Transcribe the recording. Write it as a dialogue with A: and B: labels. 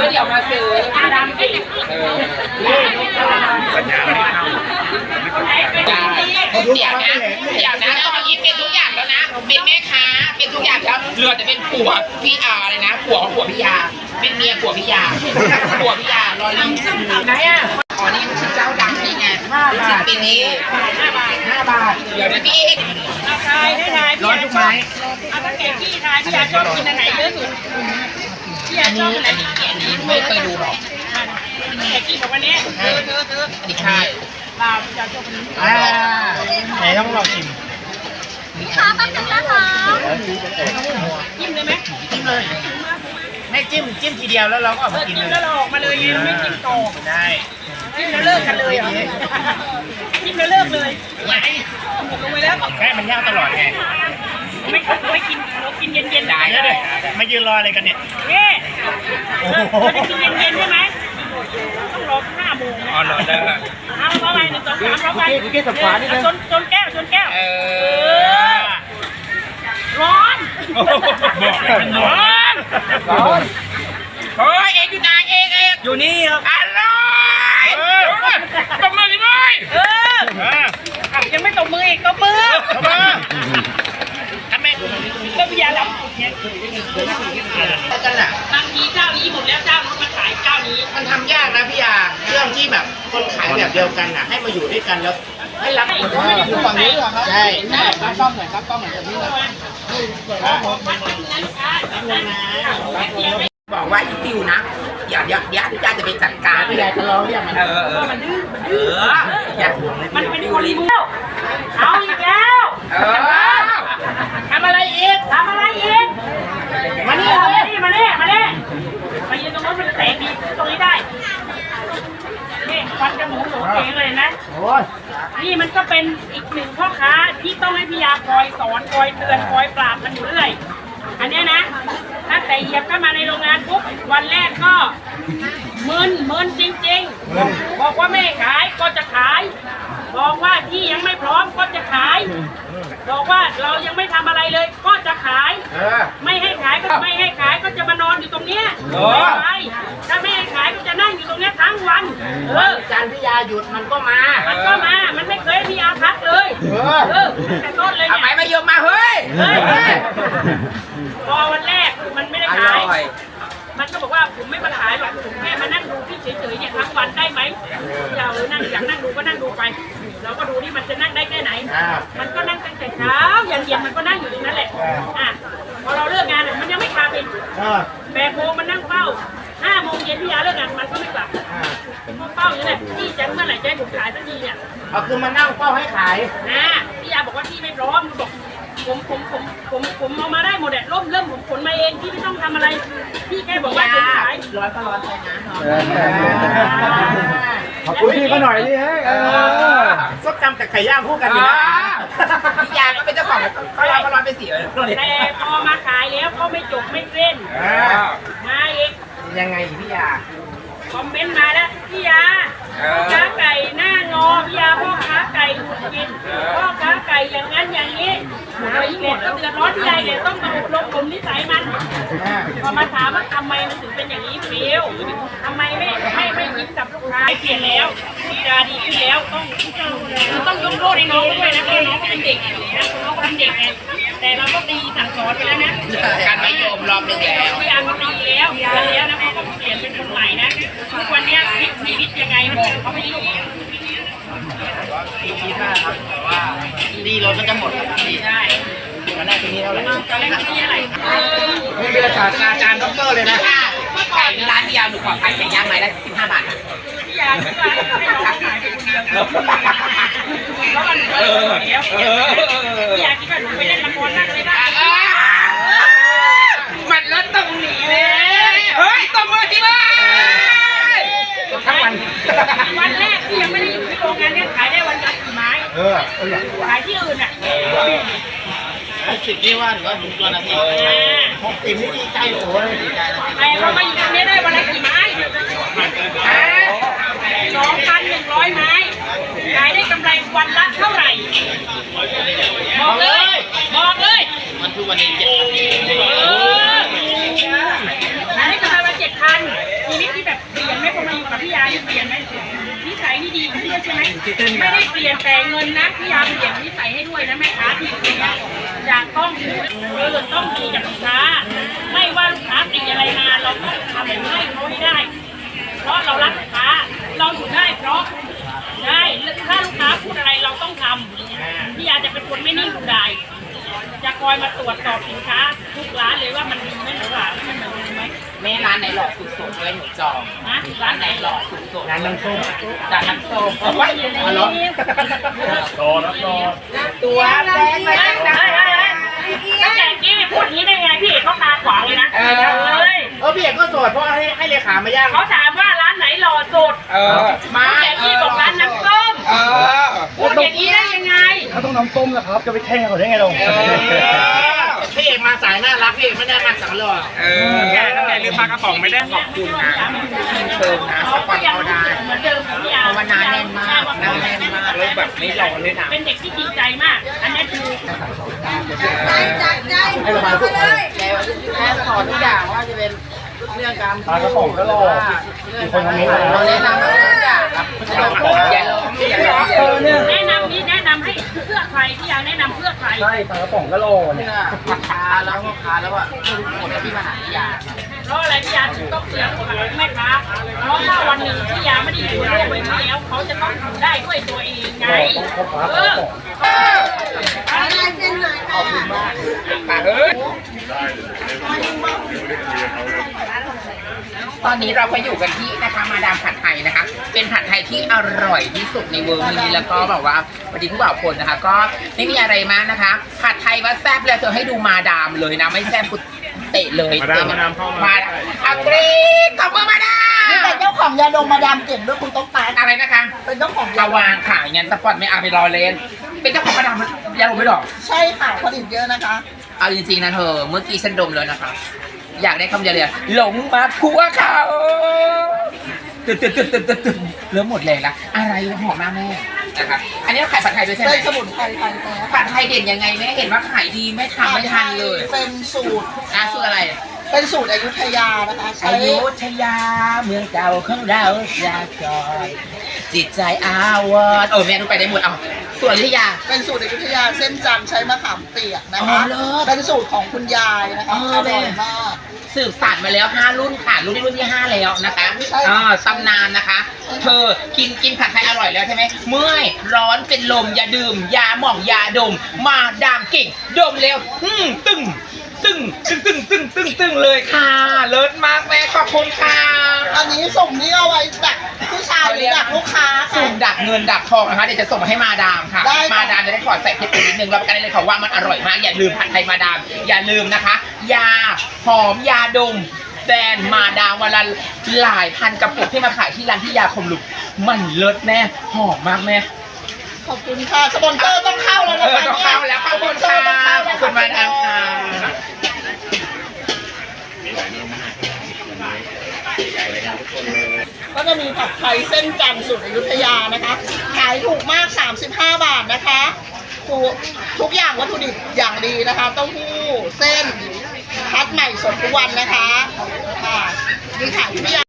A: เดี๋ยวมาซื้อดำสิ
B: สัญญาไม่เข้า
A: เดี๋ยวนะตอนนี้เป็นทุกอย่างแล้วนะเป็นแม่ค้าเป็นทุกอย่างแล้วเรือจะเป็นผัวพี่เลยนะผัวของผัวพี่ยาเป็นเมียผัวพี่ยาผัวพี่ยารอลิงไหนอ่ะอ๋อนี่คือเจ้าดังนี่ไง5 บาทปีนี้5 บาทเดี๋ยวนะพี่เอก
C: ทายให้ทาย
A: ร้อนทุกไม้
C: เอาตั้งแต่ที่ทายพี่ยาชอบกินอันไหนเยอะสุดพี่ยาชอบอันไหน
A: อันนี้ไม่เคยดูหรอก
C: แต่กินกับวันนี้เธอ
A: อันนี้ใช่
C: ลาพี่ยาชอบอันนี้
B: ไหนต้องลองชิม
D: ค่ะแป๊บนึงนะคะ
C: จิ้มเลยไหม
B: จิ้มเลยไม่จิ้มทีเดียวแล้วเราก็ออกมากินเลย
C: แล้วเราออกมาเลยไงเราไม่จิ้มต่อ
B: ได้
C: จิ้มแล้วเลิกกันเลยเหรอจิ้มแล้วเลิกเลย
B: ไง
C: ลงไปแล้ว
B: แค่มันย่างตลอดไง
C: ไม่กินเรากินเย็นๆ
B: ได้เลยมายืนรออะไรกันเนี่ย
C: เราจะกินเย็นๆใช่ไหมต้องรอ5 โมง
B: อ๋อรอได้
C: เอาเข้าไป1 2 3เข้าไปจนแก้วร้อน
B: บอกเลยมันร้อน
A: เฮ้ยเอกอยู่ไหนเอก
B: อยู่นี่ครับ
A: อร่อยตบมือเลย
C: ยังไม่ตบมืออีกตบมือ
B: ทำไม
C: ก็พยายามเนี่ย
A: กันอ่ะ
C: บางทีเจ้านี้หมดแล้วเจ้านู้นมาขายเจ้านี้
A: มันทำยากนะพี่ยาเรื่องที่แบบคนขายแบบเดียวกันอ่ะให้มาอยู่ด้วยกันแล้วให้รักคนไม่ได้อยู่ฝั่งนี้หรอครับใช่ครับกล้องหน่อยครับกล้องหน่อยครับพี่บอกว่าอีติวนะเดี๋ยวพี่ยาจะไปจัดการพี่ยาจะร้องเรียกมัน
C: มันดื้อ
A: มัน
C: เป็นคนเลี้ยวเอาอีกแล้ว
A: ทำอะไรอีกมานี่
C: มายืนตรงนู้นมันแสงดีตรงนี้ได้นี่ควันจมูกโหเองเลยนะนี่มันก็เป็นอีกหนึ่งพ่อค้าที่ต้องให้พี่ยาคอยสอนคอยเตือนคอยปราบมันอยู่เรื่อยอันนี้นะตั้งแต่เหยียบเข้ามาในโรงงานปุ๊บวันแรกก็มึนจริงๆบอกว่าไม่ขายก็จะขายบอกว่าที่ยังไม่พร้อมก็จะขายบอกว่าเรายังไม่ทำอะไรเลยก็จะขายไม่ให้ขายก็จะมานอนอยู่ตรงเนี้ยถ้าไม่ให้ขายก็จะนั่งอยู่ตรงเนี้ยทั้งวัน
A: จันพี่ยาหยุดมันก็มา
C: มันไม่เคยพี่ยาพักเลยแต่ต้นเลยเนี่ย
A: ทำไมไม่ยอมมาเฮ้ย
C: พอวันแรกมันไม่ได้ขายมันก็บอกว่าผมไม่มาขายหรอกผมแค่มานั่งดูพี่เฉยๆเนี่ยทั้งวันได้ไหมเรานั่งอยากนั่งดูก็นั่งดูไปเราก็ดูที่มันจะนั่งได้แค่ไหนมันก็นั่งตั้งแต่เช้ายันเย็นมันก็นั่งอยู่ตรงนั้นแหละพอเราเลิกงานมันยังไม่กลับอีก8 โมงมันนั่งเฝ้า5 โมงเย็นพี่ยาเลิกงานมันก็ไม่กลับเฝ้าอย่างนี้แหละพี่จะเมื่อไหร่จะให้ผมขายสักทีเนี่ย
A: คือมานั่งเฝ้าให้ขาย
C: พี่ยาบอกว่าพี่ไม่พร้อมบอกผมเอามาได้หมดเริ่มผมขนมาเองพี่ไม่ต้องทำอะไรพี่แค่บอกว่าจะขาย
A: ร้อนก็ร้อนไปนะ
B: ขอบคุณพี่ก็หน่อยดิเฮ้ยส้มตำกับไก่ย่างคู่กันอยู่นะ
A: พี่ยาก็เป็นเจ้าของก็ร้อนไป4 เลย
C: แต่พอมาขายแล้วก็ไม่จบไม่เส้นมาอีก
A: ยังไงพี่ยา
C: คอมเมนต์มาแล้วพี่ยาพ่อค้าไก่หน้างอพี่ยาพ่อค้าไก่หุดกินพ่อค้าไก่อย่างนั้นอย่างนี้หมดก็เดือดร้อนใจเลยต้องมาอบรมผมนิสัยมันพอมาถามว่าทำไมมันถึงเป็นอย่างนี้ฟิวทำไมไม่ยิ้มกับลูกค้าเปลี่ยนแล้วดีขึ้นแล้วต้องยกโทษให้น้องด้วยนะเพราะน้องเป็นเด็กน้องเป็นเด็กไงแต่เราก็ตีสั่งสอนไปแล้วนะ
A: การไม่ยอมรอบนึงแล้ว
C: พี่อาก็ตีแล้วนะเขาก็เปลี่ยนเป็นคนใหม่นะทุกวันนี้ชีวิตยังไงบอกเขาไม่รู้
A: คิดว่าครับว่าดีรถมันจะหมดดี
C: ได้
A: ตอนแรกที่นี่เท่าไหร่
C: ตอนแรกที่นี่อะไร
A: ไม่เป็นศาสตราจารย์ด็อกเตอร์เลยนะไก่ร้านพี่ยาหนูขอขายไก่ย่างไม้ละ15 บาท
C: พี่ยาคิดว่าให้น้องขายไปคนเดียวแล้วมันก็เดี๋ยวพี่ยาคิดว่าหนูไปเล่นละครนั่งเลยนะ
A: มันรถตรงนี้เลยเฮ้ยตบมือที่บ้านทั้ง
C: วันแรกที่ยังไม่ได้อยู่ที่โรงงานเนี่ยขายได้วันละกี่ไม้ขายที่อื่นอ่ะ
A: 60นี่ว่าหรือว่าถึงตัวนาที60นี่ดีใจโอ้ยดีใจ
C: แต่พอมาอยู่ตรงนี้ได้วันละกี่ไม้2,100 ไม้ขายได้กำไรวันละเท่าไหร่บอกเลย
A: มันคือวันนี้7,000
C: ขายได้กำไรวัน7,000ทีนี้ด้วยใช่ไหมไม่ได้เปลี่ยนแต่เงินนะพี่ยาเปลี่ยนนิสัยให้ด้วยนะแม่ค้าที่อยู่ตรงนี้อยากต้องต้องดีกับลูกค้าไม่ว่าลูกค้าติอะไรมาเราต้องทำให้เขาให้ได้ เพราะเรารักลูกค้าเราอยู่ได้เพราะได้ถ้าลูกค้าพูดอะไรเราต้องทำพี่ยาจะเป็นคนไม่นิ่งดูดายจะคอยมาตรวจสอบสินค้าทุกร้านเลยว่ามันดีไหมหรือเปล่ามันเหมือนไหม
A: แม่ร้านไหนหล่อสุดๆเลยหนูจอง
C: นะร้านไหน
A: หล่อสุดๆ
B: ร้านน้ำส้ม
A: จากน้ำส้ม
C: เอาไว้อยู่ในนี้
B: รอรับรอ
A: ตัวแดงมาจากไหน
C: ตั้งแต่กี้พูดอย่างนี้ได้ไงพี่เขาตาขวางเลยนะเลย
B: พี่เอกก็โสดเพราะให้เลขามาย่าง
C: เขาถามว่าร้านไหนหล่อสุด
A: มา
C: แต่กี้บอกร้านน้ำส้ม พูดอย่างนี้ได้ยังไง
B: เขาต้องน้ำส้มนะครับจะไปแข่งเขาได้ไงเราพี่เอกมาสายน่ารักพี่เอกไม่ได้มาสังหล่อแกตั้งแต่ลืมปลากระป๋องไม่ได้ขอบคุณนะ
A: เชิญนะสปอนเอาได้
C: เหมือนเดิมพี่ยา
A: เพราะว่าน้าแน่นมากน้าแน่นมากเลยแบบไม่หล่อเลยนะ
C: เป็นเด็กที่จริงใจมาก อันนี้คือ
B: ให้ระบายพวกเขา
A: แล้วแม่สอนทุกอย่างว่าจะเป็นเรื่องการ
B: ปลากระป๋องก็รอมีคนทำนี้
A: เราแนะนำทุกอย่างครับอย่าล้มอย่าล้มอย่าล้ม
C: แนะนำนี้แนะนำให้เพื่อใครพี่ยาแนะนำเพื่อใคร
B: ใช่ปลากระป๋องก็รอเนี่ย
A: เพื่อลูกค้าแล้วพ่อค้าแล้วว่าเพื่อทุกคนที่มาหาพี่ยา
C: เพราะอะไรพี่ยาถึงต้องเสียคนหลังแม่ค้าเพราะว่าวันหนึ่งพี่ยาไม่ได้อยู่ในโลกใบนี้แล้วเขาจะต้องทำได้ด้วยตัวเองไง
A: ขอบคุณมากเฮ้ยตอนนี้เราก็อยู่กันที่นะคะมาดามผัดไทยนะคะ เป็นผัดไทยที่อร่อยที่สุดในเวิร์นี้แล้วก็แบบว่าพอดีผู้บ่าวคนนะคะ ก็ไม่มีอะไรมากนะคะ ผัดไทยว่าแซ่บแล้วเธอให้ดูมาดามเลยนะไม่แซ่บกูเตะเลย
B: มาดามเข้ามา
A: อักรีขอบคุณมาดาม
E: นี่เป็นเจ้าของยาดมมาดามเก่งด้วยคุณต้องตาย
A: อะไรนะคะ
E: เป็นเจ้าของ
A: ระวางขายงั้นสปอตไม่เอาไปรอเล่นเป็นเจ้าของมาดามยาดมไม่หรอ
E: ใช่ค่ะผลิตเยอะนะคะ
A: เอาจริงๆนะเธอเมื่อกี้ฉันดมเลยนะคะ อยากได้คำเดียวเลยหลงมาคัวเขาตึ๊ดเริ่มหมดแรงละอะไรหอมมากแม่นะคะอันนี้เราขายผัดไทยด้วยใช่ไหม
E: เป็นสมุนไพรไทยแท้
A: ผัดไทยเด่นยังไงแม่เห็นว่าขายดีไม่ทำไม่ทันเลย
E: เป็นสูตร
A: สูตรอะไร
E: เป็นสูตรอยุธยานะคะใช้
A: อยุธยาเมืองเก่าของเราอยากจอยจิตใจอาวรณ์แม่รู้ไปได้หมดเอาส่วนอยุธยา
E: เป็นสูตรอยุธยาเส้นจันทร์ใช้มะขามเปียกนะ
A: อ๋
E: คะ
A: อเลิศ
E: เป็นสูตรของคุณยายนะคะ
A: อ๋อ
E: อร่อย
A: แม่
E: มาก
A: สืบสานมาแล้ว 5 รุ่นค่ะรุ่นนี้รุ่นที่ 5 แล้วนะคะ
E: ใช่
A: ตำนานนะคะ เธอกินผัดไทยอร่อยแล้วใช่ไหมเมื่อยร้อนเป็นลมอย่าดื่มยาหม่องยาดม มาดามเก่งดมแล้วตึ้งเลยค่ะเลิศมากแม่ขอบคุณค่ะ
E: อันนี้ส่งนี่เอาไว้ดักผู้ชายหรือดักลูกค้าค่ะ
A: สุ่มดักเงินดักทองนะคะเดี๋ยวจะส่งมาให้มาดามค่ะ
E: ได้ค่ะ
A: มาดามจะได้ขอใส่เพชรนิดนึงรับประกันได้เลยค่ะว่ามันอร่อยมากอย่าลืมผัดไทยมาดาม อย่าลืมนะคะ ยาหอมยาดมแบรนด์มาดามวันละหลายพันกระปุกที่มาขายที่ร้านที่ยาคมลุกมันเลิศแม่หอมมากแม่
E: ขอบคุณค่ะสปอนเซอร์ต้องเข้าแล้วนะคะ
A: ต้องเข้าแล้วขอบคุณค่ะขอบคุณมาดามค่ะ
E: ก็จะมีผัดไทยเส้นจันทร์สูตรอยุธยานะคะ ขายถูกมาก 35 บาทนะคะทุกอย่างวัตถุดิบอย่างดีนะคะเต้าหู้เส้นคัดใหม่สดทุกวันนะคะค่ะนี่ค่ะพี่ยา